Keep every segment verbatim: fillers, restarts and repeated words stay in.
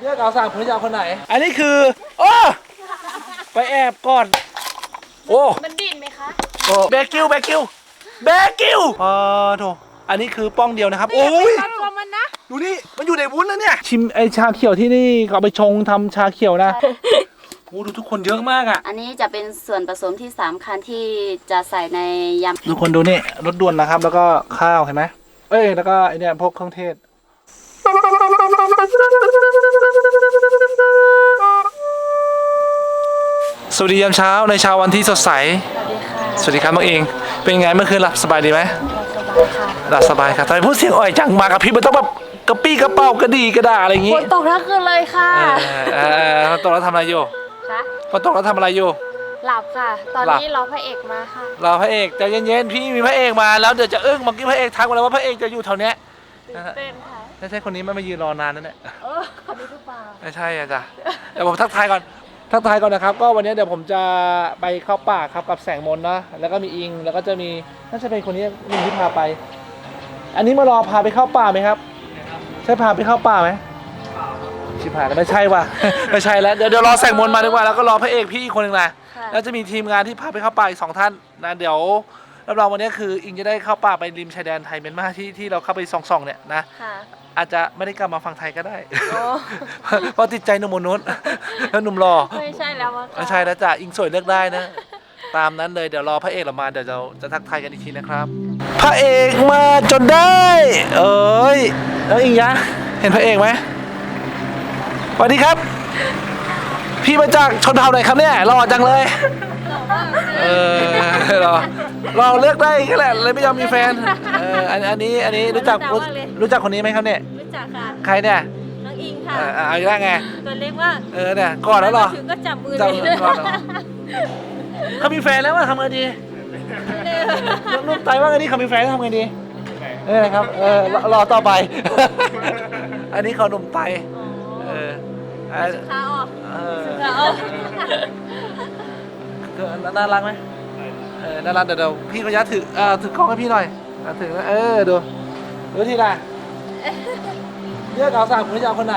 เลือกเอาสามคนจะเอาคนไหนอันนี้คือโอ้ไปแอบก่อนโอ้มันดิ่นไหมคะโอ้เบกิวเบกิวเบกิวอ๋อโถอันนี้คือป้องเดียวนะครับโอ้ยตัวมันนะดูนี่มันอยู่ในวุ้นแล้วเนี่ยชิมไอชาเขียวที่นี่ก็เอาไปชงทำชาเขียวนะโอ้ดูทุกคนเยอะมากอ่ะอันนี้จะเป็นส่วนผสมที่สำคัญที่จะใส่ในยำทุกคนดูนี่รสด่วนนะครับแล้วก็ข้าวเห็นไหมเอ้ยแล้วก็ไอเนี่ยพวกเครื่องเทศสวัสดียามเช้าในเช้าวันที่สดใสสวัสดีครับน้องเองเป็นไงเมื่อคืนหลับสบายดีไหมหลับสบายครับทำไมพูดเสียงอ่อยจังมากับพี่มันต้องแบบกระปี้กระเป๋ากระดีกระดาอะไรอย่างงี้ฝนตกทั้งคืนเลยค่ะเออฝนตกแล้วทำอะไรอยู่คะฝนตกแล้วทำอะไรอยู่หลับค่ะตอนนี้รอพระเอกมาค่ะรอพระเอกใจเย็นๆพี่มีพระเอกมาแล้วเดี๋ยวจะอึ้งเมื่อกี้พระเอกทักมาแล้วว่าพระเอกจะอยู่แถวเนี้ยเต้นค่ะไม่ใช่คนนี้ไม่มายืนรอนานนั่นแหละเออคนนี้หรือเปล่าไม่ใช่อ่ะจ้ะเดี๋ยวผมทักทายก่อนทักทายก่อนนะครับก็วันนี้เดี๋ยวผมจะไปเข้าป่าครับกับแสงมนนะแล้วก็มีอิงแล้วก็จะมีน่าจะเป็นคนนี้หนึ่งที่พาไป อันนี้มารอพาไปเข้าป่าไหมครับใช่พาไปเข้าป่าไหมชิบหายแล้วไม่ใช่ว่ะไม่ใช่แล้วเดี๋ยวเดี๋ยวรอแสงมนมาดีกว่าแล้วก็รอพระเอกพี่อีกคนหนึ่งนะแล้วจะมีทีมงานที่พาไปเข้าป่าอีกสองท่านนะเดี๋ยวรับรองวันนี้คืออิงจะได้เข้าป่าไปริมชายแดนไทยเมียนมาที่ที่เราเข้าไปส่องๆเนี่ยนะอาจจะไม่ได้กลับมาฝั่งไทยก็ได้เพราะติดใจหนุ่มนุษย์แล้วหนุ่มรอไม่ใช่แล้วไม่ใช่แล้วจ้ะอิงสวยเลือกได้นะตามนั้นเลยเดี๋ยวรอพระเอกเรามาเดี๋ยวเราจะทักทายกันอีกทีนะครับพระเอกมาจนได้เอ้ยแล้วอิงยะเห็นพระเอกไหมสวัสดีครับพี่มาจากชนเผ่าไหนครับเนี่ยหล่อจังเลยเออรอรอเลือกได้แค่แหละเลยไม่ยอมมีแฟนเอออันอันนี้อันนี้รู้จักรู้จักคนนี้ไหมครับเนี่ยรู้จักค่ะใครเนี่ยน้องอิงค่ะเอาอีกแล้วไงตัวเล็กว่าเออเนี่ยก่อนแล้วหรอถึงก็จับมือเลยเขามีแฟนแล้วว่าทำไงดีนุ่มใจว่าไงดีเขามีแฟนแล้วทำไงดีเออครับเออรอต่อไปอันนี้เขาหนุ่มไตเออขาออกเออน่ารักไหมเออน่ารักเดี๋ยวพี่ก็ยัดถืออ่าถือกล้องให้พี่หน่อยถือเออดูดูทีละเลือกเอาสามคนจะเอาคนไหน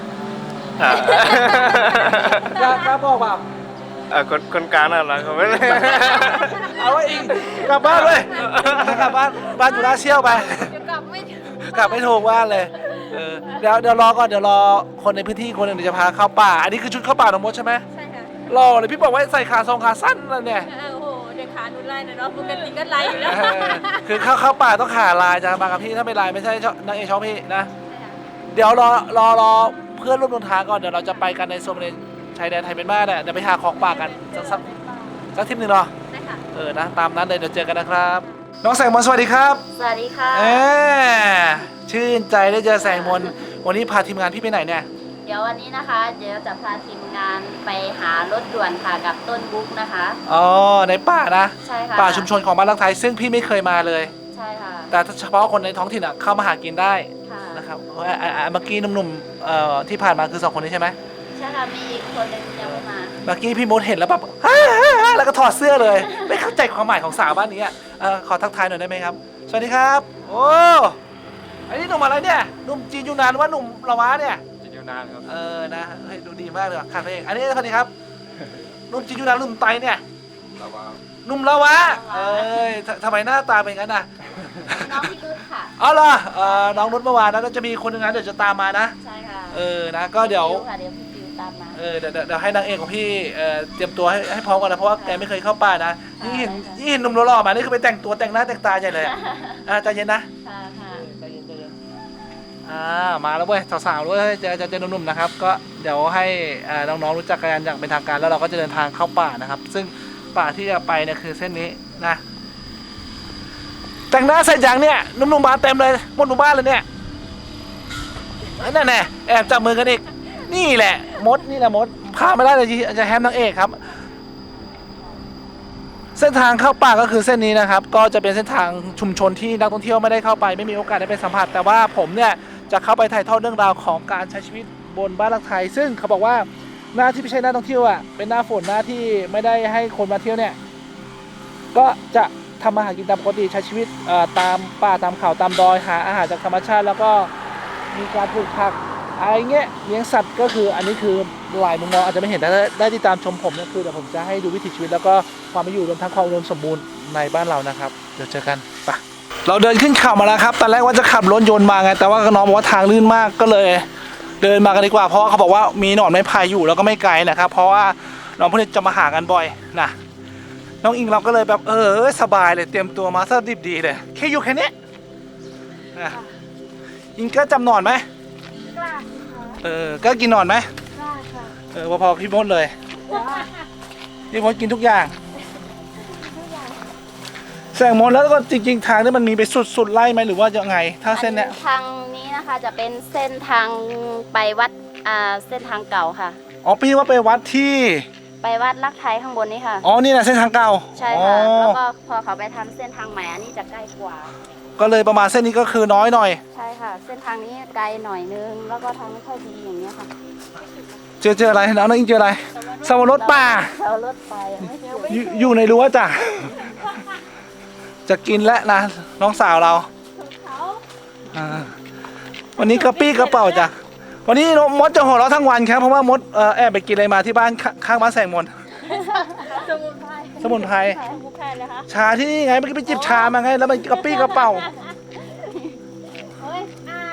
กล้ากล้าบอกเปล่าอ่าคนคนกลางน่ะเหรอเขาไม่เลยเอาไว้อีกกลับบ้านเลยกลับบ้านบ้านอยู่ราเชี่ยวไปกลับไม่กลับไม่ถูกบ้านเลยเออเดี๋ยวเดี๋ยวรอก่อนเดี๋ยวรอคนในพื้นที่คนหนึ่งเดี๋ยวจะพาเข้าป่าอันนี้คือชุดเข้าป่าน้องมดใช่ไหมใช่ค่ะรอเลยพี่บอกว่าใส่ขาทรงขาสั้นนั่นเนี่ยโอ้โหเดี๋ยวขาหนูไล่นะเนาะปกติก็ไล่อยู่แล้วคือเข้าเข้าป่าต้องขาลายจะมากับพี่ถ้าไม่ลายไม่ใช่นางเอกชอบพี่นะเดี๋ยวรอรอรอเพื่อนร่วมเดินทางก่อนเดี๋ยวเราจะไปกันในโซนชายแดนไทยเมียนมาเนี่ยเดี๋ยวไปหาของป่ากันสักสักสักทีหนึ่งเนาะใช่ค่ะเออนะตามนั้นเลยเดี๋ยวเจอกันนะครับน้องแสงมนสวัสดีครับสวัสดีค่ะเออชื่นใจได้เจอแสงมนวันนี้พาทีมงานพี่ไปไหนเนี่ยเดี๋ยววันนี้นะคะเดี๋ยวจะพาทีมงานไปหารถด่วนค่ะกับต้นบุ๊กนะคะอ๋อในป่านะใช่ค่ะป่าชุมชนของบ้านรักไทยซึ่งพี่ไม่เคยมาเลยใช่ค่ะแต่เฉพาะคนในท้องถิ่นอ่ะเข้ามาหากินได้นะครับเมื่อกี้หนุ่มๆที่ผ่านมาคือสองคนนี้ใช่ไหมใช่ค่ะมีอีกคนนึงยังไม่มาเมื่อกี้พี่มดเห็นแล้วแบบแล้วก็ถอดเสื้อเลยไม่เข้าใจความหมายของสาวบ้านนี้อ่ะขอทักทายหน่อยได้ไหมครับสวัสดีครับโอ้ไอ้นี่หนุ่มอะไรเนี่ยหนุ่มจีนยูนานว่าหนุ่มละวะเนี่ยจีนยูนานครับเออนะเฮ้ยดูดีมากเลยขาดเองอันนี้สวัสดีครับหนุ่มจีนยูนานหนุ่มไตเนี่ยละวะหนุ่มละวะเอ้ยทำไมหน้าตาเป็นงั้นน่ะน้องพี่นุชค่ะอ๋อเหรอน้องนุชเมื่อวานนะจะมีคนหนึ่งนะเดี๋ยวจะตามมานะใช่ค่ะเออนะก็เดี๋ยวเออเดี๋ยวเดี๋ยวให้นางเอกของพี่เอ่อเตรียมตัวให้ให้พร้อมกันนะเพราะว่าแกไม่เคยเข้าป่านะนี่เห็นนี่เห็นหนุ่มหล่อๆมานี่คือไปแต่งตัวแต่งหน้าแต่งตาใหญ่เลยอ่ะใจเย็นนะค่ะค่ะใจเย็นใจเย็นอ่ามาแล้วเว้ยสาวๆด้วยจะจะเจอหนุ่มๆนะครับก็เดี๋ยวให้น้องๆรู้จักกันอย่างเป็นทางการแล้วเราก็จะเดินทางเข้าป่านะครับซึ่งป่าที่จะไปเนี่ยคือเส้นนี้นะแต่งหน้าเสร็จอย่างเนี่ยหนุ่มๆมาเต็มเลยหมดหมู่บ้านเลยเนี่ยนั่นแน่แอบจับมือกันอีกนี่แหละมดนี่แหละมดพาไม่ได้เลยจะแฮมนางเอกครับเส้นทางเข้าป่าก็คือเส้นนี้นะครับก็จะเป็นเส้นทางชุมชนที่นักท่องเที่ยวไม่ได้เข้าไปไม่มีโอกาสได้ไปสัมผัสแต่ว่าผมเนี่ยจะเข้าไปถ่ายทอดเรื่องราวของการใช้ชีวิตบนบ้านรักไทยซึ่งเขาบอกว่าหน้าที่ไม่ใช่หน้าท่องเที่ยวอ่ะเป็นหน้าฝนหน้าที่ไม่ได้ให้คนมาเที่ยวเนี่ยก็จะทำอาหารกินตามปกติใช้ชีวิตตามป่าตามเขาตามดอยหาอาหารจากธรรมชาติแล้วก็มีการปลูกผักอะไรเงี้ยเลี้ยงสัตว์ก็คืออันนี้คือหลายมุมมองอาจจะไม่เห็นแต่ได้ติดตามชมผมเนี่ยคือเดี๋ยวผมจะให้ดูวิถีชีวิตแล้วก็ความเป็นอยู่รวมทั้งความอุดมสมบูรณ์ในบ้านเรานะครับเดี๋ยวเจอกันไปเราเดินขึ้นเขามาแล้วครับตอนแรกว่าจะขับรถยนต์มาไงแต่ว่าน้องบอกว่าทางลื่นมากก็เลย เดินมากันดีกว่าเพราะเขาบอกว่ามีหนอนไม้พายอยู่แล้วก็ไม่ไกลนะครับเพราะว่าน้องพวกนี้จะมาหากันบ่อยนะน้องอิงเราก็เลยแบบเออสบายเลยเตรียมตัวมาซะดิบดีเลยแค่อยู่แค่นี้นะอิงก็จำหนอนไหมกล้าเออก็กินหนอนไหมกล้าค่ะเออพอๆพี่มดเลยพี่มดกินทุกอย่างแสงมดแล้วก็จริงๆทางนี้มันมีไปสุดๆไล่ไหมหรือว่ายังไงถ้าเส้นเนี้ยทางนี้นะคะจะเป็นเส้นทางไปวัดอ่าเส้นทางเก่าค่ะอ๋อพี่ว่าไปวัดที่ไปวัดลักไทยข้างบนนี้ค่ะอ๋อนี่นะเส้นทางเก่าใช่ค่ะอ๋อแล้วก็พอเขาไปทำเส้นทางใหม่อันนี้จะใกล้กว่าก็เลยประมาณเส้นนี้ก็คือน้อยหน่อยใช่ค่ะ เส้นทางนี้ไกลหน่อยนึงแล้วก็ทางไม่ค่อยดีอย่างเงี้ยค่ะเจอเจออะไรน้องน้องอิงเจออะไรสวรสป่าเรารถไปไม่เจออยู่อยู่ในรั้วจ้ะจะกินแล้วนะน้องสาวเราอ่าวันนี้กระปี้กระเป๋าจ้ะวันนี้มดจะหัวเราะทั้งวันครับเพราะว่ามดเอ่อแอบไปกินอะไรมาที่บ้านข้างข้างบ้านแสงมนต์สมุนไพรสมุนไพรสมุนไพรเลยคะชาที่นี่ไงเมื่อกี้ไปจิบชามาไงแล้วมันกระปี้กระเป๋าเฮ้ยอ่า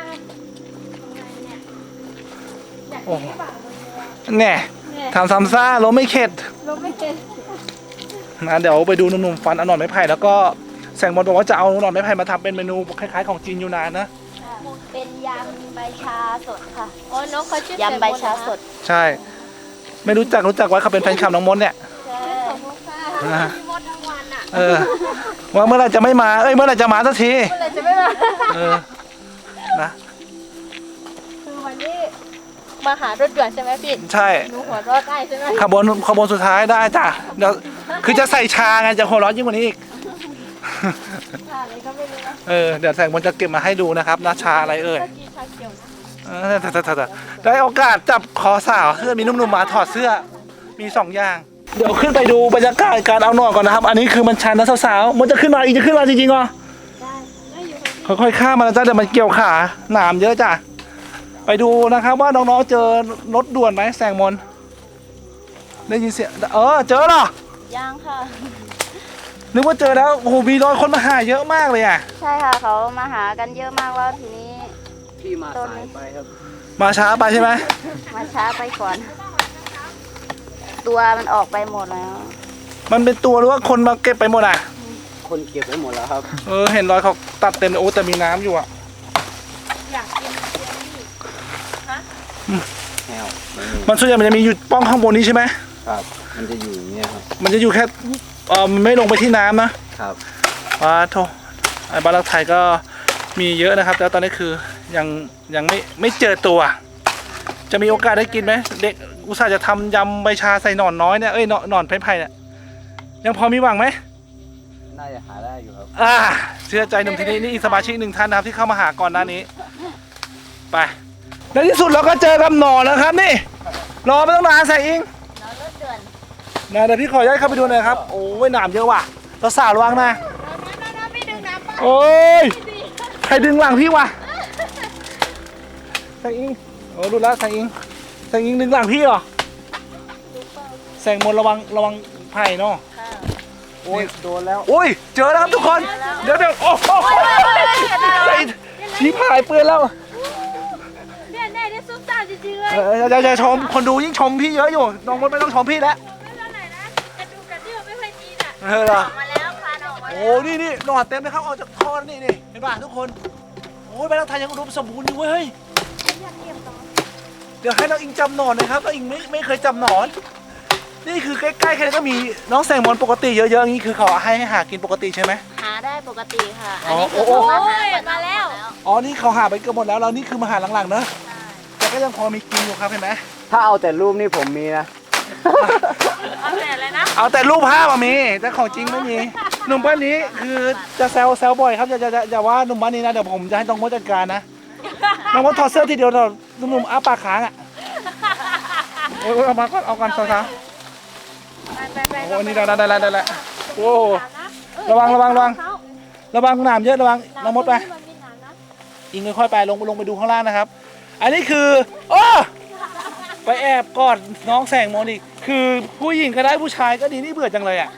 โอ้แน่ทำซ้ำซ่าล้มไม่เข็ดเราไม่เป็นนะเดี๋ยวไปดูหนุ่มๆฟันเอาหนอนไม้ไผ่แล้วก็แสงมนต์บอกว่าจะเอาหนอนไม้ไผ่มาทำเป็นเมนูคล้ายๆของจีนยูนานนะเป็นยำใบชาสดค่ะอ๋อน้องเขาชื่อยำใบชาสดใช่ ไม่รู้จักรู้จักไว้เขาเป็นแฟนคลับน้องมดเนี่ยใช่นะพี่มดทั้งวันอ่ะเออว่าเมื่อไหรจะไม่มาเอ้ยเมื่อไหรจะมาสักทีเมื่อไหร่จะไม่มาเออนะคือวันนี้มาหารถด่วนใช่ไหมพี่ใช่หนูหัวรอดได้ใช่ไหมขบวนขบวนสุดท้ายได้จ้ะเดี๋ยวคือจะใส่ชาไงจะหัวเร้อนยิ่งกว่านี้อีกค่ะอะไรก็ไม่รู้นะเออเดี๋ยวแสงมนต์จะเก็บมาให้ดูนะครับนะชาอะไรเอ่ยเมื่อกี้ชาเขียวนะเออแต่แต่แต่แต่ได้โอกาสจับคอสาวเสื้อมีนุ่มๆมาถอดเสื้อมีสองอย่าง เดี๋ยวขึ้นไปดูบรรยากาศการเอาหนอนก่อนนะครับ อันนี้คือมันชันนะสาวๆมันจะขึ้นมาอีกจะขึ้นมาจริงๆเหรอได้ได้อยู่ค่ะค่อยๆข้ามมานะจ้ะเดี๋ยวมันเกี่ยวขาหนามเยอะจ้ะไปดูนะครับว่าน้องๆเจอรถด่วนไหมแสงมนต์ได้ยินเสียงเออเจอเหรอย่างค่ะนึกว่าเจอแล้วโอ้โหมีรอยคนมาหาเยอะมากเลยอ่ะใช่ค่ะเขามาหากันเยอะมากแล้วทีนี้พี่มาสายไปครับมาช้าไปใช่ไหมมาช้าไปก่อน ตัวมันออกไปหมดแล้วมันเป็นตัวหรือว่าคนมาเก็บไปหมดอ่ะคนเก็บไว้หมดแล้วครับเออเห็นรอยเขาตัดเต็มเลยโอ้แต่มีน้ำอยู่อ่ะอยากกินเจียวนี่แนวมันส่วนใหญ่มันจะมีอยู่ป้องข้างบนนี้ใช่ไหมครับ มันจะอยู่อย่างเงี้ยครับมันจะอยู่แค่เออมันไม่ลงไปที่น้ำนะครับ ว้าโถไอ้บ้านรักไทยก็มีเยอะนะครับแต่ตอนนี้คือยังยังไม่ไม่เจอตัว จะมีโอกาสได้กินไหมเด็กอุตส่าห์จะทำยำใบชาใส่หนอนน้อยเนี่ยเอ้ยหนอนหนอนไผ่ไผ่เนี่ยยังพอมีหวังไหมน่าจะหาได้อยู่ครับอ่าเชื่อใจหนุ่มที่นี่นี่อีกสมาชิกหนึ่งท่านนะครับที่เข้ามาหาก่อนหน้านี้ไปในที่สุดเราก็เจอกับหนอนแล้วครับนี่รอไม่ต้องนานแสงอิงนอนรถด่วนนะเดี๋ยวพี่ขอย้ายเข้าไปดูหน่อยครับโอ้ยหนามเยอะว่ะเราสาวระวังนะน้ำๆๆพี่ดึงน้ำไปโอ้ยใครดึงหลังพี่วะแสงอิงโอ้ดูแล้วแสงอิงแสงอิงดึงหลังพี่เหรอแสงมนต์ระวังระวังไผ่เนาะโอ้ย โดนแล้วโอ้ยเจอแล้วครับทุกคนเดี๋ยวเดี๋ยวโอ้โหใส่ชี้พายเปื้อนแล้วเนี่ยเนี่ยได้ซุปตาจริงๆเลยเอออย่าอย่าชมคนดูยิ่งชมพี่เยอะอยู่น้องมดไม่ต้องชมพี่แล้วไม่เท่าไหร่นะกระดูกกระเดี่ยวไม่ค่อยดีน่ะเออเหรอมาแล้วค่ะออกมาโอ้นี่นี่หนอนเต็มเลยครับออกจากท่อนี่นี่เห็นป่ะทุกคนโอ้ยใบรักไทยยังอุดมสมบูรณ์อยู่เว้ยเดี๋ยวให้น้องอิงจำหนอนหน่อยครับน้องอิงไม่ไม่เคยจำหนอน นี่คือใกล้ๆแค่นี้ก็มีน้องแสงมนต์ปกติเยอะๆอย่างนี้คือเขาให้ให้หากินปกติใช่ไหมหาได้ปกติค่ะอ๋อันอนี้คือโอ้เขาโอ้มาหาก่อนมาแล้วอ๋อนี่เขาหาไปเกือบหมดแล้วแล้วนี่คือมาหาหลังๆเนอะแต่ก็ยังพอมีกินอยู่ครับเห็นไหมถ้าเอาแต่รูปนี่ผมมีนะเอาแต่อะไรนะเอาแต่รูปภาพอะมีแต่ของจริงไม่มีหนุ่มบ้านนี้คือจะแซวแซวบ่อยครับอย่าอย่าอย่าอย่าว่าหนุ่มบ้านนี้นะเดี๋ยวผมจะให้น้องมดจัดการนะน้องมดถอดเสื้อทีเดียวเถอะหนุ่มๆอ้าปากค้างอะโอ้ยเอามาก่อนเอากันสาวๆไปไปไปโอ้นี่ได้ได้ได้ได้แล้วโอ้ระวังระวังระวังระวังหนามเยอะระวังน้องมดไปมันมีหนามนะอิงค่อยๆไปลงลงไปดูข้างล่างนะครับอันนี้คือโอ้ไปแอบกอดน้องแสงมนต์อีกคือผู้หญิงก็ได้ผู้ชายก็ดีนี่เบื่อจังเลยอ่ะ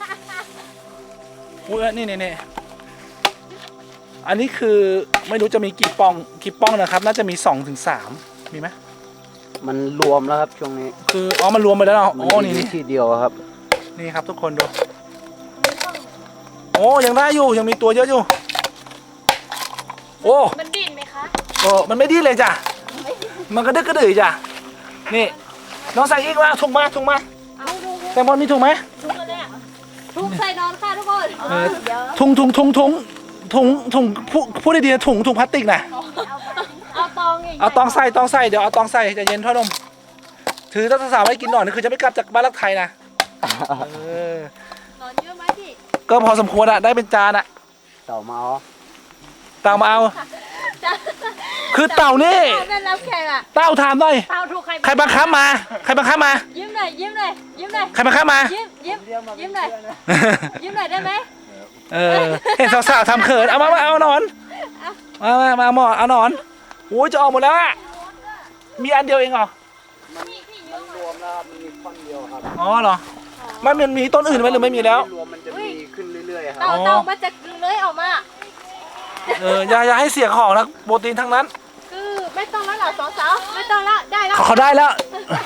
อุ้ยนี่นี่นี่อันนี้คือไม่รู้จะมีกี่ป้องกี่ป้องนะครับ น่าจะมีสองถึงสามมีไหมมันรวมแล้วครับช่วงนี้คืออ๋อมันรวมไปแล้วเนาะมัโอ้นนี่มีนี่ที่เดียวครับนี่ครับทุกคนดูโอ้ยังได้อยู่ยังมีตัวเยอะอยู่โอ้มันดิ้นไหมคะโอ้มันไม่ดิ้นเลยจ้ะมันกระดึกกระดือจ้ะนี่น้องแสงอีกว่าถุงมาถุงมาเอาดูแซงมอนมีถุงไหมทุกคนเลยอ่ะทุกใส่นอนค่ะทุกคนเออถุงถุงถุงถุงถุงถุงพูดพูดดีๆนะถุงถุงพลาสติกนะเอาตองอย่างเอาตองใส่ตองใส่เดี๋ยวเอาตองใส่ใจะเย็นพ่อหนมถือถ้าสาวๆไม่กินหน่อยนี่คือจะไม่กลับจากบ้านรักไทยนะเออนอนเยอะไหมพี่ก็พอสมควรอะได้เป็นจานอะเต่าเมาเต่ามาเอาคือเต่านี่เอาเป็นรับแขกอ่ะเต่าถามหน่อยเตาถูกใครใครบังคับมาใครบังคับมายิ้มหน่อยยิ้มหน่อยยิ้มหน่อยใครบังคับมายิ้มยิ้มยิ้มหน่อยยิ้มหน่อยได้ไหมเออเห็นสาวๆทำเขินเอามามาเอาหนอนมามามาหมอเอาหนอนโอ้ยจะออกหมดแล้วอะมีอันเดียวเองเหรอมันรวมแล้วครับมันมีท่อนเดียวครับอ๋อเหรอไม่มันมีต้นอื่นไหมหรือไม่มีแล้วรวมมันจะมีขึ้นเรื่อยๆครัเต่าบเต่ามันจะเลื้อยออกมาเอออย่าอย่าให้เสียของนะโปรตีนทั้งนั้นคือไม่ต้องแล้วเหรอสองสาวไม่ต้องแล้วได้แล้วเขาเขาได้แล้ว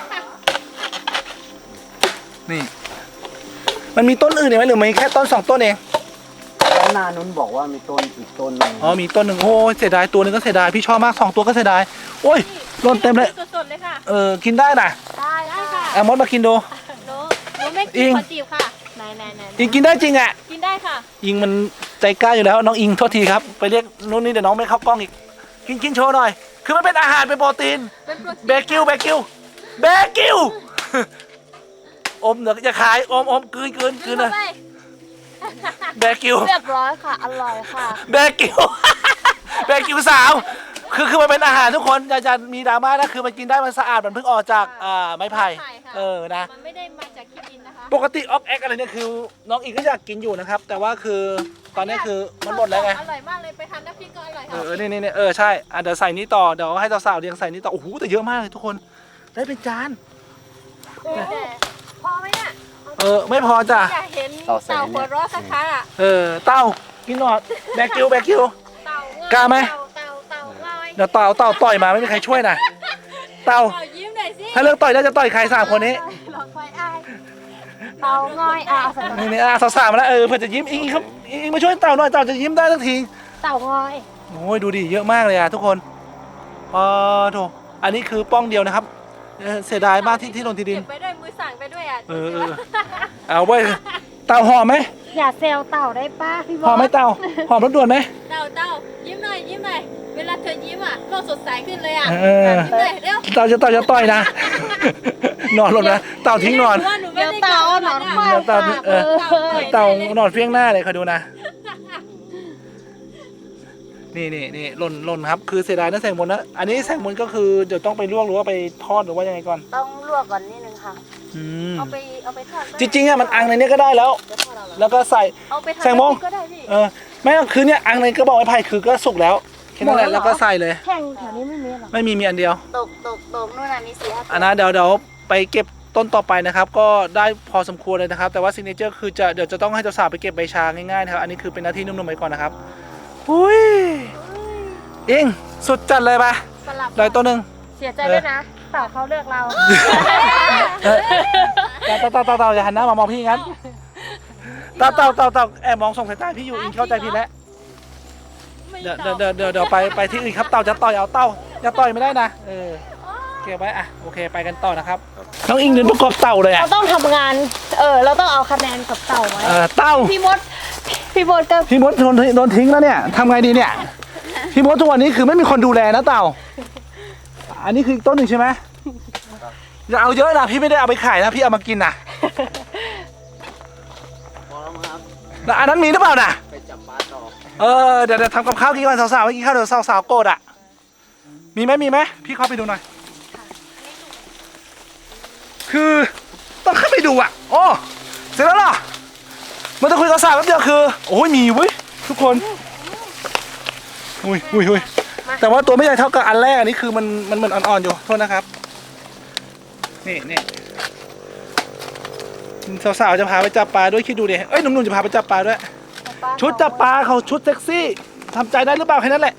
นี่ มันมีต้นอื่นอีกไหมหรือมีแค่ต้นสองต้นเองด้านหน้านู้นบอกว่ามีต้นอีกต้นหนึงอ๋อมีต้นหนึ่งโอ้ยเสียดายตัวหนึงก็เสียดายพี่ชอบมากสองตัวก็เสียดายโอ้ยหล่นเต็มเลยสดๆเลยค่ะเออกินได้นะได้ได้ค่ะเอามดมากินดูหนูหนูไม่อิกินงขอจีบค่ะไหนไหนไหนอิงกินได้จริงอ่ะกินได้ค่ะอิงมันใจกล้าอยู่แล้วน้องอิงโทษทีครับไปเรียกนู้นนี่เดี๋ยวน้องไม่เข้ากล้องอีกกินกินโชว์หน่อย คือมันเป็นอาหารเป็นโปรตีนเป็นโปรตีนเบกิวเบกิวเบกิว อมเดี๋ยวจะขายอมอมกลืนกลืนกลืนเลยเข้าไปเบกิวเรียบร้อยค่ะ อร่อยค่ะเบกิว เบกิวสาวคือคือมันเป็นอาหารทุกคนอย่าจะมีดราม่านะคือมันกินได้มันสะอาดมันเพิ่งออกจากอ่าไม้ไผ่ไผ่ค่ะเออนะมันไม่ได้มาจากขี้ดินนะคะปกติออกแอคอะไรเนี่ยคือน้องอิงก็อยากกินอยู่นะครับ แต่ว่าคือตอนนี้คือมันหมดแล้วไงอร่อยมากเลยไปทานน้ำพริกก็อร่อยเอค่ะอนี่นี่นี่เออใช่อ่ะเดี๋ยวใส่นี้ต่อเดี๋ยวให้สาวๆเรียงใส่นี้ต่อโอ้โหแต่เยอะมากเลยทุกคนได้เป็นจานแต่พอไหมเนี่ยเออไม่พอจ้ะอยากเห็นเต่าหัวเราะสักครั้งอ่ะเออเต้ากินหนอดแบกิวแบกิวเต่างอยกล้าไหมเต่าเต่าเต่าลอยเดี๋ยวเต่าเต่าต่อยมาไม่มีใครช่วยนะเต่าเต่ายิ้มหน่อยสิถ้าเลือกต่อยแล้วจะต่อยใครสามคนนี้ลองคอยอายเต่างอยอ่ะเอาใส่นี่นี่อ่ะสาวๆมาแล้วเออเพื่อจะยิ้มอิงอิงครับอิงอิงมาช่วยเต่าหน่อยเต่าจะยิ้มได้สักทีเต่างอยโอ้ยดูดิเยอะมากเลยอ่ะทุกคนพอโถอันนี้คือป้องเดียวนะครับเออเสียดายมากที่ที่ลงที่ดินเก็บไปด้วยมือสั่งไปด้วยอ่ะเออเออ เอาไว้ยเต่าหอมไหมอย่าเซลเต่าได้ป้าพี่บหอมไหมเต่าหอมรถด่วนไหมเต่าเต่ายิ้มหน่อยยิ้มหน่อยเวลาเธอยิ้มอ่ะโลกสดใสขึ้นเลยอ่ะเออยิ้มหน่อยเร็วเต่าจะเต่าจะต่อยนะ นอนลงนะเต่าทิ้งนอนเดี๋ยวเต่าเอาหนอนควายเดี๋ยวเต่าเออเต่านอนเฟี้ยงหน้าเลยคอยดูนะ นี่นี่นี่หล่นหล่นครับคือเสียดายนะแสงมนต์นะอันนี้แสงมนต์ก็คือเดี๋ยวต้องไปลวกหรือว่าไปทอดหรือว่ายังไงก่อนต้องลวกก่อนนิดนึงค่ะอืมเอาไปเอาไปทอดจริงๆอ่ะมันอังในนี้ก็ได้แล้ว แล้วก็ใส่เอาไปทอดแซงโมงก็ได้พี่เออไม่ก็คือเนี่ยอังในกระบอกไม้ไผ่คือก็สุกแล้วแค่นั้นแหละแล้วก็ใส่เลยแข่งแถวนี้ไม่มีหรอไม่มีมีอันเดียวตกตกตกนู่นน่ะมีสี่ห้าอันนั้นเดี๋ยวเดี๋ยวไปเก็บต้นต่อไปนะครับ ก็ได้พอสมควรเลยนะครับ แต่ว่าซิกเนเจอร์คือจะเดี๋ยวจะต้องให้เจ้าสาวไปเก็บใบชาง่ายๆนะครับอันนี้คือเป็นหน้าที่นุ่มๆไปก่อนนะครับอุ้ยเองสุดจัดเลยปะสลับได้ตัวหนึ่งเสียใจด้วยนะเต่าเขาเลือกเราเออเต่าเต่าเต่าเต่าอย่าหันหน้ามามองพี่งั้นเต่าเต่าเต่าเต่าแอบมองส่งสายตาพี่อยู่อิงเข้าใจพี่แล้วเดี๋ยวเดี๋ยวเดี๋ยวเดี๋ยวเดี๋ยวไปไปที่อื่นครับเต่าจะต่อยเอาเต่าอย่าต่อยไม่ได้นะเออเก็บไว้อ่ะโอเคไปกันต่อนะครับน้องอิงเดินประกอบเต่าเลยอ่ะเราต้องทำงานเออเราต้องเอาคะแนนกับเต่าไว้เออเต่าพี่มดพี่มดกับพี่มดโดนโดนทิ้งแล้วเนี่ยทำไงดีเนี่ยพี่มดทุกวันนี้คือไม่มีคนดูแลนะเต่า อันนี้คืออีกต้นหนึ่งใช่ไหมอย่าเอาเยอะนะพี่ไม่ได้เอาไปขายนะพี่เอามากินนะพอแล้วมั้งครับแล้วอันนั้นมีหรือเปล่านะไปจับปลาต่อเออเดี๋ยวเดี๋ยวทำกับข้าวกินก่อนสาวๆไปกินข้าวเดี๋ยวสาวๆโกรธอ่ะมีไหมมีไหมพี่เข้าไปดูหน่อยคือต้องเข้าไปดูอ่ะโอ้เสร็จแล้วเหรอมันจะคุยกับสาวแป๊บเดียวคือโอ้ยมีเว้ยทุกคนอุ้ยอุ้ยอุ้ยแต่ว่าตัวไม่ใหญ่เท่ากับอันแรกอันนี้คือมันมันเหมือนอ่อนๆอยู่โทษนะครับนี่นี่สาวๆจะพาไปจับปลาด้วยคิดดูดิเอ้ยหนุ่มๆจะพาไปจับปลาด้วยชุดจับปลาเขาชุดเซ็กซี่ทำใจได้หรือเปล่าแค่นั้นแหละ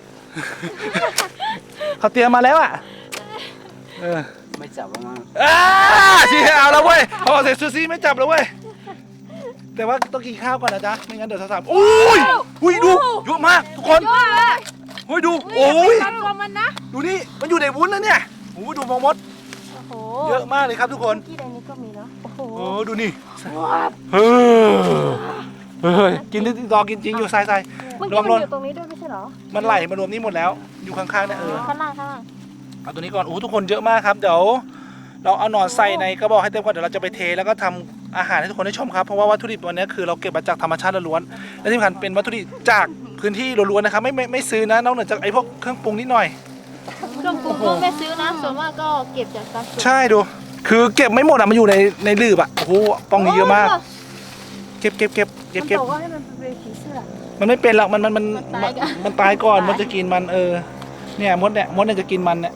เขาเตรียมมาแล้วอ่ะเออไม่จับแล้วมั้งอ่าชี้เอาแล้วเว้ยพอเสร็จซูซี่ไม่จับแล้วเว้ยแต่ว่าต้องกินข้าวก่อนนะจ๊ะไม่งั้นเดี๋ยวสาวๆโอ้ยอุ้ยดูเยอะมากทุกคนเฮ้ยดูโอ้ยทำตัวมันนะดูนี่มันอยู่ในวุ้นแล้วเนี่ยโอ้ดูมองมดโอ้โหเยอะมากเลยครับทุกคนที่ใดนี้ก็มีเนาะโอ้โหโอ้ดูนี่เฮ้ยเฮ้ยกินรอกินจริงอยู่ใส่ใส่เมื่อรกี้วมมันรวมอยู่ตรงนี้ด้วยไม่ใช่เหรอมันไหลมารวมนี่หมดแล้ว อยู่ข้างๆเนี่ยเออข้างล่างข้างล่างเอาตัวนี้ก่อนโอ้ทุกคนเยอะมากครับเดี๋ยวเราเอาหนอนใส่ในกระบอกให้เต็มก่อนเดี๋ยวเราจะไปเทแล้วก็ทำอาหารให้ทุกคนได้ชมครับเพราะว่าวัตถุดิบวันนี้คือเราเก็บมาจากธรรมชาติล้วนๆและที่สำคัญเป็นวัตถุดิบจากพื้นที่ล้วนๆนะครับไม่ไม่ไม่ซื้อนะนอกเหนือจากไอ้พวกเครื่องปรุงนิดหน่อยเครื่องปรุงก็ไม่ซื้อนะส่วนมากก็เก็บจากตามสวนใช่ดู คือเก็บไม่หมดอ่ะมันอยู่ในในลืบอ่ะโอ้โหปองนี้เยอะมาก เก็บเก็บเก็บเก็บมันเก็บบอกว่าให้มันเป็นผีเสื้อมันไม่เป็นหรอกมันมันมันมันตายก่อนมันตายก่อนมันจะกินมันเออเนี่ยมดเนี่ยมดเนี่ยจะกินมันเนี่ย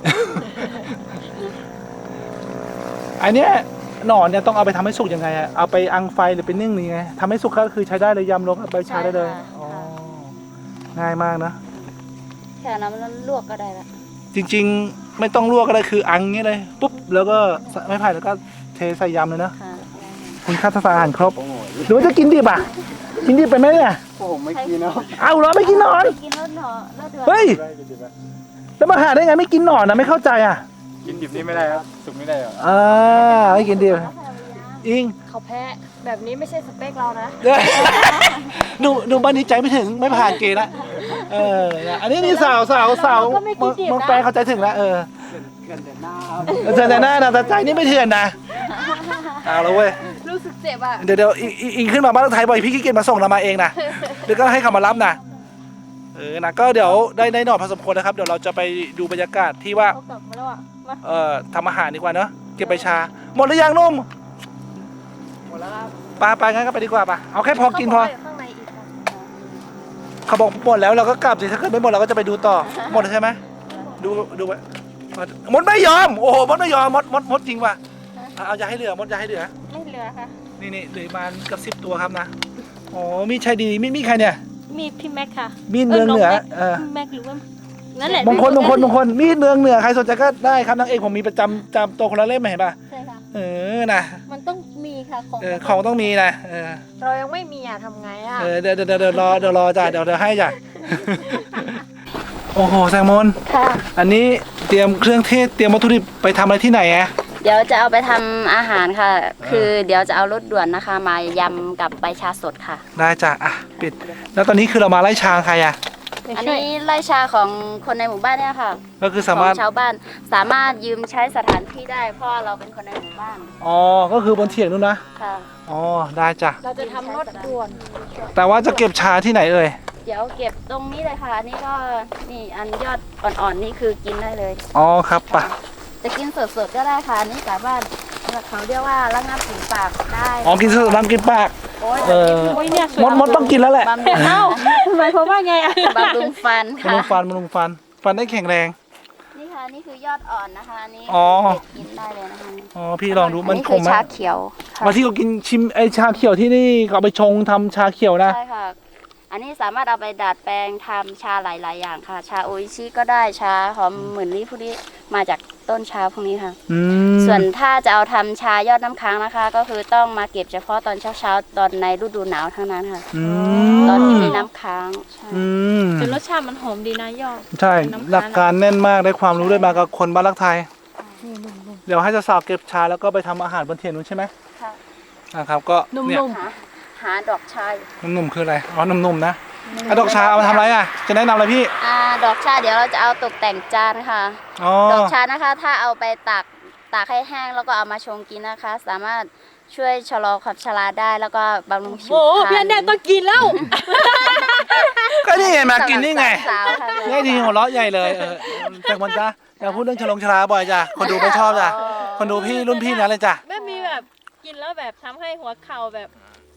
อันเนี้ยหนอนเนี่ยต้องเอาไปทำให้สุกยังไงอะเอาไปอังไฟหรือไปนึ่งหรือไงทำให้สุกก็คือใช้ได้เลยยำลงเอาไปใช้ได้เลยอ๋อง่ายมากนะแค่น้ำมันลวกก็ได้ละจริงๆไม่ต้องลวกก็ได้คืออังเงี้ยเลยปุ๊บแล้วก็ไม้ไผ่แล้วก็เทใส่ยำเลยนะค่ะคุณค่าทางอาหารครบโอ้โหหรือว่าจะกินดิบอ่ะกินดิบไปไหมเนี่ยผมไม่กินนะเอาเหรอไม่กินหนอนกินรสหนอรสเดือดเฮ้ยแล้วมาหาได้ไงไม่กินหนอนนะไม่เข้าใจอ่ะกินดิบนี่ไม่ได้ครับ สุกไม่ได้หรออ่าไม่กินดิบอิงเขาแพ้แบบนี้ไม่ใช่สเปคเรานะหนูหนูบ้านนี้ใจไม่ถึงไม่ผ่านเกณฑ์ละเอออันนี้นี่สาวสาวสาวเมืองเมืองแปลเข้าใจถึงแล้วเออเกินแต่หน้าเจอแต่หน้านะแต่ใจนี่ไม่เถื่อนนะเอาแล้วเว้ยรู้สึกเจ็บอ่ะเดี๋ยวเดี๋ยวอิงอิงอิงขึ้นมาบ้านไทยบ่อยพี่ขี้เกียจมาส่งเรามาเองนะเดี๋ยวก็ให้เขามารับนะเออนะก็เดี๋ยวได้ได้หน่อพอสมควรนะครับเดี๋ยวเราจะไปดูบรรยากาศที่ว่าเขากลับมาแล้วอ่ะมาเอ่อทำอาหารดีกว่าเนอะเก็บใบชาหมดหรือยังนุ่มหมดแล้วครับปลาไปงั้นก็ไปดีกว่าปะเอาแค่พอกินพอเขาบว่ายู่ข้างในอีกค่ะเขาบอกหมดแล้วเราก็กลับสิถ้าเกิดไม่หมดเราก็จะไปดูต่อหมดแล้วใช่ไหมดูดูไว้มดไม่ยอมโอ้โหมดไม่ยอมมดมดมดจริงว่ะเอาเอาอย่าให้เหลือมดอย่าให้เหลือไม่เหลือค่ะนี่นี่เหลือประมาณเกับสิบตัวครับนะอ๋อมีใช่ดีมีมีใครเนี่ยมีพี่แม็กค่ะมีดเมืองเหนือเออพี่แม็กหรือว่านั่นแหละมงคลมงคลมงคลมีดเมืองเหนือใครสนใจก็ได้ครับนางเอกผมมีประจำจำตัวคนละเล่มเห็นป่ะใช่ค่ะเออนะมันต้องมีค่ะของเออของต้องมีนะเออเรายังไม่มีอ่ะทำไงอ่ะเออเดี๋ยวเดี๋ยวเดี๋ยวรอเดี๋ยวรอจ้ะเดี๋ยวเดี๋ยวให้จ้ะ โอ้โหแซงมนค่ะอันนี้เตรียมเครื่องเทศเตรียมวัตถุดิบไปทำอะไรที่ไหนอะเดี๋ยวจะเอาไปทำอาหารค่ะ คือเดี๋ยวจะเอารสด่วนนะคะ มายำกับใบชาสดค่ะได้จ้ะอ่ะปิด แล้วตอนนี้คือเรามาไล่ชางใครอะอันนี้ไร่ชาของคนในหมู่บ้านเนี่ยค่ะก็คือขสาองมารถชาวบ้านสามารถยืมใช้สถานที่ได้เพราะเราเป็นคนในหมู่บ้านอ๋อก็คือบนเถียงนู่นนะค่ะอ๋อได้จ้ะเราจะทำรถด่วนแต่ว่าจะเก็บชาที่ไหนเอ่ยเดี๋ยวเก็บตรงนี้เลยค่ะอันนี้ก็นี่อันยอดอ่อนๆนี่คือกินได้เลยอ๋อครับปะจะกินสดๆก็ได้ค่ะอันนี้สามารถเขาเรียกว่าระงับกลิ่นปากได้อ๋อกินสดน้ำกินปากโอ้ยเออโอ้ยเนี่ยมดมดต้องกินแล้วแหละบำรุงเอ้าหมายความว่าไงอ่ะบำรุงฟันมค่ะนุงฟันมนุงฟัน ฟันได้แข็งแรงนี่ค่ะนี่คือยอดอ่อนนะคะอันนี้อ๋อเด็ดกินได้เลยนะคะอ๋อพี่ลองดูมันขมไหมอัคือชาเขียวค่ะวันที่เขากินชิมไอชาเขียวที่นี่เขาเอาไปชงทำชาเขียวนะใช่ค่ะ อันนี้สามารถเอาไปดัดแปลงทำชาหลาย ๆ อย่างค่ะ ชาโออิชิก็ได้ชาหอมหมื่นลี่พวกนี้มาจากต้นชาพวกนี้ค่ะอืมส่วนถ้าจะเอาทำชายอดน้ำค้างนะคะ ก็คือต้องมาเก็บเฉพาะตอนเช้าๆตอนในฤดูหนาวเท่านั้นค่ะอืตอนที่มมีน้ำค้างใช่อืมแต่รสชาติมันหอมดีนะยอดใช่น้ำค้างหลักการแน่นมากได้ความรู้ได้มากับคนบ้านรักไทย เดี๋ยวให้สาวๆเก็บชาแล้วก็ไปทำอาหารบนเทียนนู้นใช่ไหมค่ะนะครับก็นุ่เนี่ยมหาหาดอกชายหนุ่มๆคืออะไรอ๋อหนุ่มๆนะอ่ะดอกชาเอามาทำอะไรอ่ะจะแนะนำอะไรพี่อ่าดอกชาเดี๋ยวเราจะเอาตกแต่งจานค่ะอ๋อดอกชานะคะ ถ้าเอาไปตากตากให้แห้งแล้วก็เอามาชงกินนะคะ สามารถช่วยชะลอความชราได้แล้วก็บำรุงๆผิวโอ้พรรณพี่อันเดนต้องกินแล้วก็นี่ไงมากินนี่ไงสาวๆค่ะนี่ทีหัวเราะใหญ่เลยเออแต่มันจ้ะอย่าพูดเรื่องชะลงชราบ่อยจ้ะคนดูไม่ชอบจ้ะคนดูพี่รุ่นพี่นั้นเลยจ้ะไม่มีแบบกินแล้วแบบทำให้หัวเข่าแบบ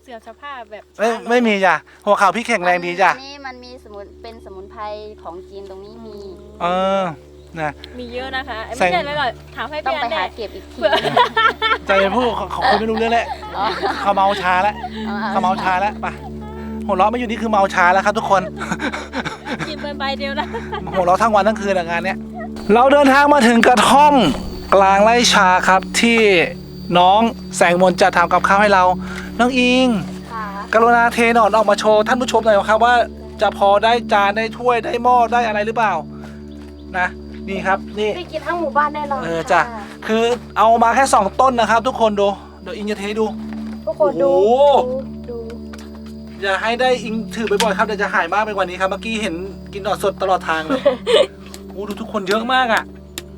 สื่อมสภาพแบบไม่ไม่มีจ้ะหัวเข่าพี่แข็งแรงดีจ้ะอันนี้มันมีสมุนเป็นสมุนไพรของจีนตรงนี้มีเออนะมีเยอะนะคะใส่ไม่ใช่แล้วหรอกถามให้ต้องพี่ไปอันแน่หาเก็บอีกทีใจพูดเขาเขาคุยไม่รู้เรื่องแล้วอ๋อเขาเมาชาแล้วอเขาเมาชาแล้วไปหัวเราะไม่อยู่นี่คือเมาชาแล้วครับทุกคนกินเป็นใบเดียวนะหัวเราะทั้งวันทั้งคืนอะงานเนี้ยเราเดินทางมาถึงกระท่อมกลางไร่ชาครับที่น้องแสงมนต์จะทำกับข้าวให้เรา น้องอิงค่ะกรุณาเทหนอนออกมาโชว์ท่านผู้ชมหน่อยครับว่าจะพอได้จานได้ถ้วยได้หม้อได้อะไรหรือเปล่านะนี่ครับนี่ได้กินทั้งหมู่บ้านแน่นอนเออจ้ะคือเอามาแค่สองต้นนะครับ ทุกคนดูเดี๋ยวอิงจะเทให้ดูทุกคนดูโอ้โหดูอย่าให้ได้อิงถือบ่อยๆครับเดี๋ยวจะหายมากไปกว่านี้ครับเมื่อกี้เห็นกินหนอนสดตลอดทางเลย โอ้ดูทุกคนเยอะมากอ่ะ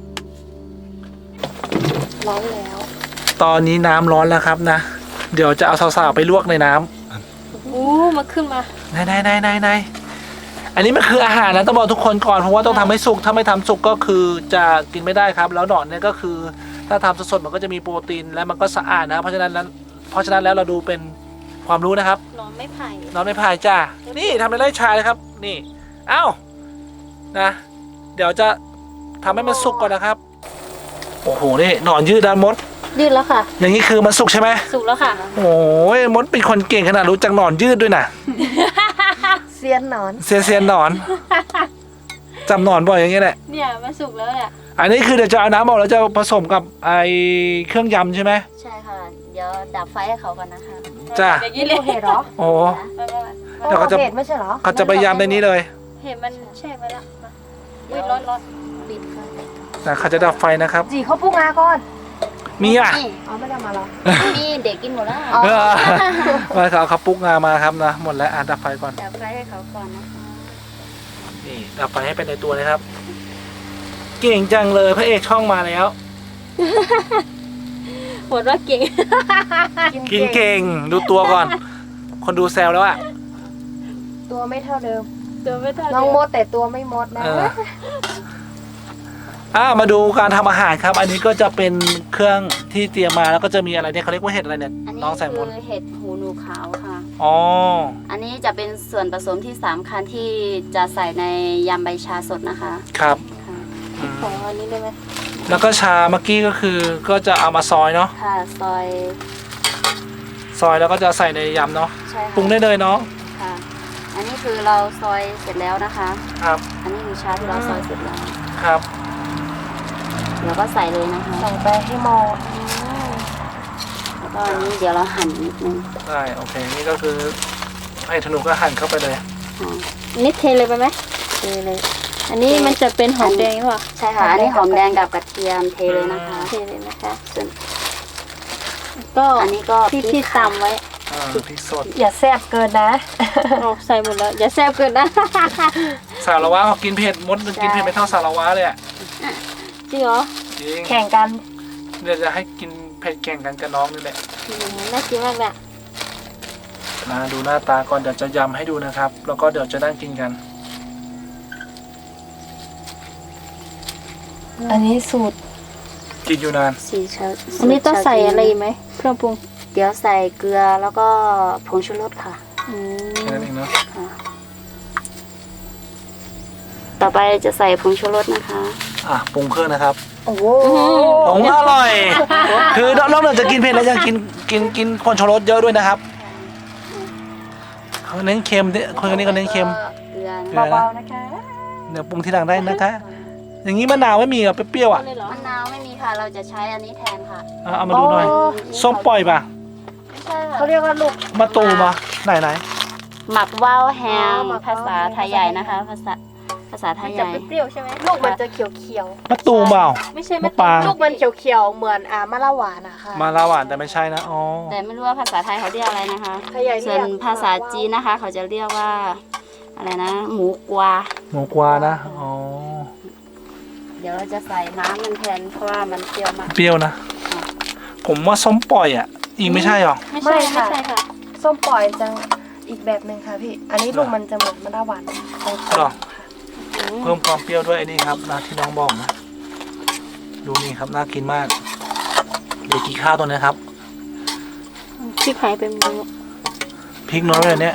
ร้อนแล้วตอนนี้น้ำร้อนแล้วครับนะ เดี๋ยวจะเอาสาวๆไปลวกในน้อู้มาขึ้นมาำไหนไหนไหนไหนไหนอันนี้มันคืออาหารนะต้องบอกทุกคนก่อนเพราะว่าต้องทำให้สุกถ้าไม่ทำสุกก็คือจะกินไม่ได้ครับ แล้วหนอนเนี่ยก็คือ ถ้าทำสดๆมันก็จะมีโปรตีนและมันก็สะอาดนะเพราะฉะนั้นนั้นเพราะฉะนั้นแล้วเราดูเป็นความรู้นะครับหนอนไม่ไผ่น้องไม่พายจ้า นี่ทำในไร่ชาเลยครับ นี่ เอ้า นะ เดี๋ยวจะทำให้มันสุกก่อนนะครับ โอ้โห นี่หนอนยืดด้านมดยืดแล้วค่ะอย่างนี้คือมันสุกใช่ไหมสุกแล้วค่ะโอ้ยมดเป็นคนเก่งขนาดรู้จักหนอนยืดด้วยนะเซียนหนอนเซียนเซียนหนอนจำหนอนบ่อยอย่างเงี้ยแหละเนี่ยมันสุกแล้วเนี่ยอันนี้คือเดี๋ยวจะเอาน้ำออกแล้วจะผสมกับไอเครื่องยำใช่ไหมใช่ค่ะ เดี๋ยวดับไฟให้เขาก่อนนะคะจ้าอย่างนี้เลยเห็ดเหรอโอ้เดี๋เดี๋ยวเขาจะเห็ดไม่ใช่เหรอเขาจะไปยำในนี้เลยเห็นมันแช่ไว้แล้วมาอุ้ยร้อนร้อนปิดค่ะนะเขาจะดับไฟนะครับจีเขาปรุงงาก่อนมีอ่ะนี่อ๋อไม่ได้มาหรอนี่เด็กกินหมดแล้วเออมาเขาเขาปลุกงามาครับนะหมดแล้วอ่ะดับไฟก่อนดับไฟให้เขาก่อนนะคะนี่ดับไฟให้เป็นในตัวเลยครับ เก่งจังเลยพระเอกช่องมาแล้วหมดว่าเก่งกินเก่งดูตัวก่อน คนดูแซวแล้วอ่ะตัวไม่เท่าเดิมตัวไม่ทันน้องมดแต่ตัวไม่มดนะเอออ่ามาดูการทำอาหารครับ อันนี้ก็จะเป็นเครื่องที่เตรียมมาแล้วก็จะมีอะไรเนี่ยเขาเรียกว่าเห็ดอะไรเนี่ยอันนี้น้องแสงมคืนอเห็ดหูหนูขาวค่ะอ๋ออันนี้จะเป็นส่วนผสมที่สำคัญที่จะใส่ในยำใบชาสดนะคะครับค่ะอืมขออันนี้ได้ไหมแล้วก็ชาเมื่อกี้ก็คือก็จะเอามาซอยเนาะค่ะซอยซอยแล้วก็จะใส่ในยำเนาะใช่ค่ะปรุงได้เลยเนาะค่ะ อันนี้คือเราซอยเสร็จแล้วนะคะครับอันนี้คือชาที่เราซอยเสร็จแล้วครับแล้วก็ใส่เลยนะคะใส่ไปให้หมดแล้วก็อันนี้เดี๋ยวเราหั่นนิดนึงได้โอเคนี่ก็คือให้ธนูก็หั่นเข้าไปเลยค่ะนี่เทเลยไปไหมเทเลยอันนี้มันจะเป็นหอมแดงหรือเปล่าใช่ค่ะ อันนี้หอมแดงกับกระเทียมเทเลยนะคะเทเลยนะคะส่วนก็อันนี้ก็ที่ที่ตำไว้อ่าพริกสดอย่าแซ่บเกินนะเอาใส่หมดแล้ว อย่าแซ่บเกินนะสารวัตรเขากินเผ็ดมดมันกินเผ็ดไม่เท่าสารวัตรเลยอ่ะจริงเหรอจริงแข่งกันเดี๋ยวจะให้กินเผ็ดแข่งกันกับน้องนี่แหละอืมน่ากินมากเลยมาดูหน้าตาก่อนเดี๋ยวจะยำให้ดูนะครับ แล้วก็เดี๋ยวจะนั่งกินกันอันนี้สูตรกินอยู่นานสีชาอันนี้ต้องใส่อะไรอีกไหมเครื่องปรุงเดี๋ยวใส่เกลือแล้วก็ผงชูรสค่ะอืมแค่นั้นเองเนาะต่อไปจะใส่ผงชูรสนะคะอ่ะปรุงเครื่องนะครับโอ้โหผมอร่อย คือนอกจากจะกินเผ็ดแล้วยังกินกินกินคนชูรสเยอะด้วยนะครับเขาเน้นเค็มเนี่ยคนนี้ก็เน้นเค็มเกลือเกลือเบานะๆนะคะเดี๋ยวปรุงทีหลังได้นะคะ อย่างนี้มะนาวไม่มีเหรอเปรี้ยวๆอ่ะเลยเหรอมะนาวไม่มีค่ะ เราจะใช้อันนี้แทนค่ะเอาเอามาดูหน่อย ส้มปล่อยป่ะใช่ค่ะเขาเรียกว่าลูกมะตูมอ่ะไหนไหนหมักว่าวแฮอ๋อมหมักภาษาว่าวแฮมไทยใหญ่นะคะ ภาษาภาษาไทมัยนใหจะญ่เปรี้ยวๆใช่ไหมลูกมันจะเขียวมะตูมเปล่าไม่ใช่มะปรางๆ ลูกมันเขียวๆ เหมือนอ่ามะละหวานอะค่ะมาลาหวานแต่ไม่ใช่นะอ๋อแต่ไม่รู้ว่าภาษาไทยเขาเรียกอะไรนะคะไทยใหญ่เรีส่ยวกนภาษาจีนนะคะ เขาจะเรียกว่าอะไรนะ หมูกวาหมูกวานะอ๋อเดี๋ยวเราจะใส่น้ำมันแทนเพราะว่ามันเปรี้ยวมากเปรี้ยวนะ ผมว่าส้มปล่อยอ่ะอีกไม่ใช่หรอไม่ใช่ไม่ใช่ค่ะส้มปล่อยจะอีกแบบหนึ่งค่ะพี่ อันนี้ลูกมันจะเหมือนมะละหวานตรงๆหรอค่ะเพิ่มความเปรี้ยวด้วยไอ้นี่ครับนะที่น้องบอกนะดูนี่ครับน่ากินมากเดี๋ยวกินข้าวตัวนี้ครับพริกไทยเป็นมือพริกน้อยเลยเนี่ย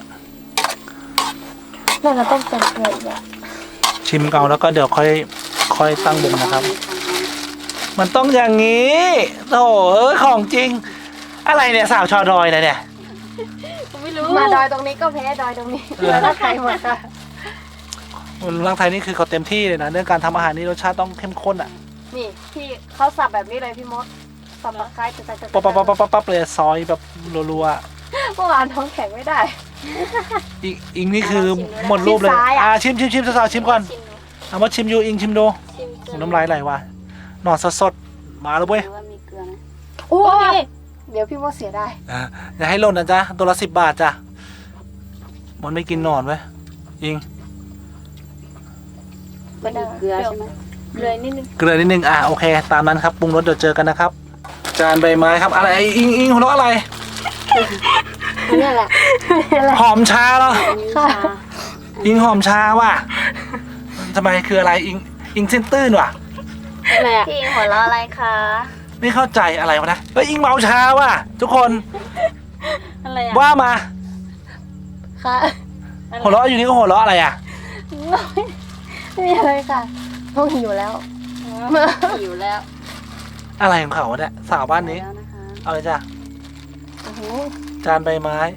น่าจะต้องเติมเกลืออีกอะชิมเกาแล้วก็เดี๋ยวค่อยค่อยตั้งวงนะครับ มันต้องอย่างนี้โถ่เอ้ยของจริง อะไรเนี่ยสาวชอดอยเลยเนี่ยไม่รู้มาดอยตรงนี้ก็แพ้ดอยตรงนี้เออแล้วก็ไทยหมดค่ะร่างไทยนี่คือเขาเต็มที่เลยนะเรื่องการทำอาหารนี่รสชาติต้องเข้มข้นอ่ะนี่พี่เขาสับแบบนี้เลยพี่มดสับตะไคร้จะจะปั๊บปั๊บปั๊บปั๊บปั๊บเลยซอยแบบรัวเมื่อวานท้องแข็งไม่ได้ๆอีกอีกนี่คือหมดรูปเลยชิมซ้ายอะอ่าชิมชิมชิมสาวๆชิมก่อนชิมดูเอามาชิมอยู่อิงชิมดูชิมเกลือน้ำลายไหลว่ะหนอนสดๆมาแล้วเว้ยหรือว่ามีเกลือไหมโอ้ยเดี๋ยวพี่มดเสียได้อ่าอย่าให้หล่นนะจ๊ะตัวละสิบบาทจ้ะมันไม่กินหนอนเว้ยอิงก็มีเกลือใช่ไหมเลยนิดนึงเกลือนิดนึงอ่ะโอเค ตามนั้นครับปรุงรสเดี๋ยวเจอกันนะครับ จานใบไม้ครับอะไรอิงอิงหัวเราะอะไรนี่แหละหอมชาเหรออันนี้ชาอิงหอมชาว่ะทำไมคืออะไรอิงอิงเส้นตื้นว่ะอะไรอ่ะพี่อิงหัวเราะอะไรคะไม่เข้าใจอะไรวะนะเฮ้ยอิงเมาชาว่ะทุกคนอะไรอ่ะว่ามาค่ะหัวเราะอยู่นี่ก็หัวเราะอะไรอ่ะไม่มีอะไรค่ะท้องหิวแล้วหิวแล้วอะไรของเขาวะเนี่ยสาวบ้านนี้แล้วนะคะเอาเลยจ้ะโอ้โหจานใบไม้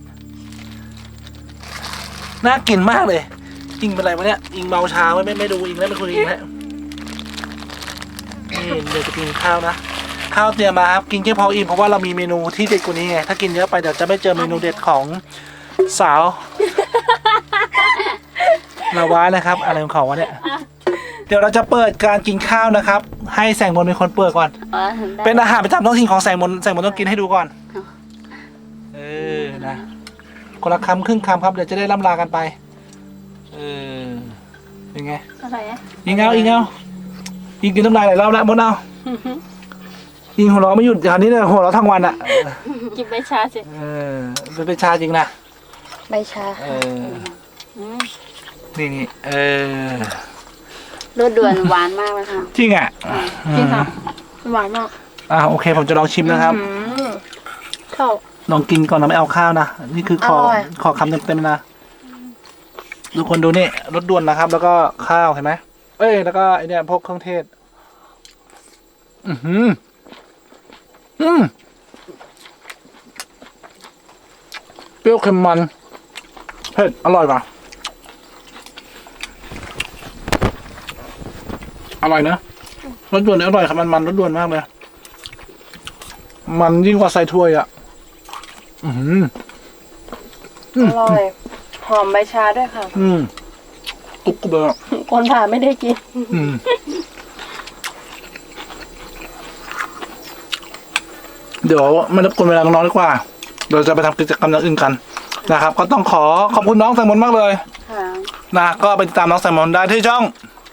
น่ากินมากเลยอิงเป็นไรวะเนี่ยอิงเมาชาไว้ไม่ไม่ดูอิงแล้วไม่คุยอิงแล้วนี่เดี๋ยวจะกินข้าวนะข้าวเตรียมมาครับกินแค่พออิ่มเพราะว่าเรามีเมนูที่เด็ดกว่านี้ไงถ้ากินเยอะไปเดี๋ยวจะไม่เจอเมนูเด็ดของสาวลาวานะครับ อะไรของเขาวะเนี่ยเดี๋ยวเราจะเปิดการกินข้าวนะครับ ให้แสงมนต์เป็นคนเปิดก่อนอ๋อได้เป็นอาหารประจำท้องถิ่นของแสงมนต์แสงมนต์ต้องกินให้ดูก่อนค่ะเออนะคนละคำครึ่งคำครับเดี๋ยวจะได้ล่ำลากันไปเออเป็นไงอะไรอ่ะยิงเอายิงเอายิงกินน้ำลายหลายรอบแล้วมดเอายิงหัวเราะไม่หยุดคราวนี้เนี่ยหัวเราะทั้งวันอ่ะกินใบชาสิเออเป็นเป็นชาจริงนะใบชาเออนี่นี่เออรสด่วนหวานมากเลยค่ะจริงอ่ะจริงค่ะหวานมากอ่าโอเคผมจะลองชิมนะครับอืมเข้าลองกินก่อนนะไม่เอาข้าวนะนี่คือขออร่อยขอคำเต็มๆนะทุกคนดูนี่รสด่วนนะครับ แล้วก็ข้าวเห็นไหมเอ้ยแล้วก็ไอเนี่ยพวกเครื่องเทศ อือหืออืมเปรี้ยวเค็มมันเผ็ดอร่อยป่ะอร่อยนะรสด่วนเนี่ยอร่อยครับมันมันรสด่วนมากเลยมันยิ่งกว่าใส่ถ้วยอ่ะ อือหืออร่อย หอมใบชาด้วยค่ะอืมกรุบกรุบเลยอ่ะคนผ่านไม่ได้กินอืมเดี๋ยวไม่รบกวนเวลาน้องๆดีกว่าเดี๋ยวจะไปทำกิจกรรมอย่างอื่นกันนะครับ ก็ต้องขอขอบคุณน้องแซมมอนมากเลยค่ะนะก็ไปติดตามน้องแซมมอนได้ที่ช่อง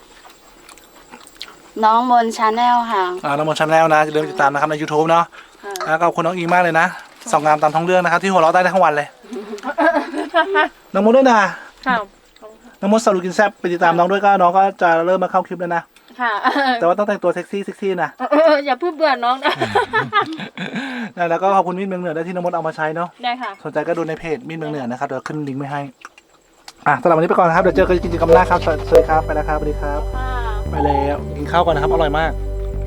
น้องบนชาแนลค่ะอ่าน้องมอนชาแนลนะอย่าลืมติดตามนะครับใน YouTube เนาะค่ะแล้วก็ขอบคุณน้องอิงมากเลยนะสองงามตามท้องเรื่องนะครับที่หัวเราะได้ทั้งวันเลย น้องมดด้วยนะค่ะน้องมดสรุปกินแซ่บไปติดตามน้องด้วยก็น้องก็จะเริ่มมาเข้าคลิปแล้วนะค่ะแต่ว่าต้องแต่งตัวเซ็กซี่เซ็กซี่นะเอออย่าเพิ่งเบื่อน้องนะนะแล้วก็ขอบคุณมีดเมืองเหนือได้วยที่น้องมดเอามาใช้เนาะได้ค่ะสนใจก็ดูในเพจมีดเมืองเหนือนะครับเดี๋ยวขึ้นลิงก์ไว้ให้อ่ะสำหรับวันนี้ไปก่อนนะครับเดี๋ยวเจอกันกิจกรรมหน้าครับสวัสดีครับไปแล้วครับสวัสดีครับค่ะไปแล้วกินข้าวก่อนนะครับอร่อยมาก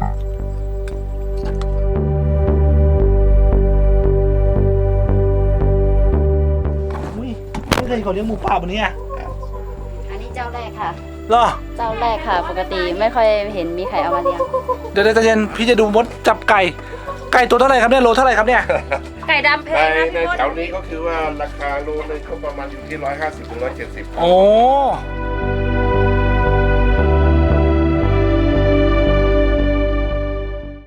อุ้ยไม่เคยเห็นเขาเลี้ยงหมูป่าแบบนี้อ่ะอันนี้เจ้าแรกค่ะเหรอเจ้าแรกค่ะ ปกติไม่ค่อยเห็นมีใครเอามาเลี้ยงเดี๋ยวเดี๋ยวใจเย็นพี่จะดูมดจับไก่ ไก่ตัวเท่าไหร่ครับเนี่ยโลเท่าไหร่ครับเนี่ยไก่ดำเพในงนะในพี่มดแถวนี้ก็คือว่าราคาโลนึงก็ประมาณอยู่ที่ร้อยห้าสิบถึงร้อยเจ็ดสิบโอ้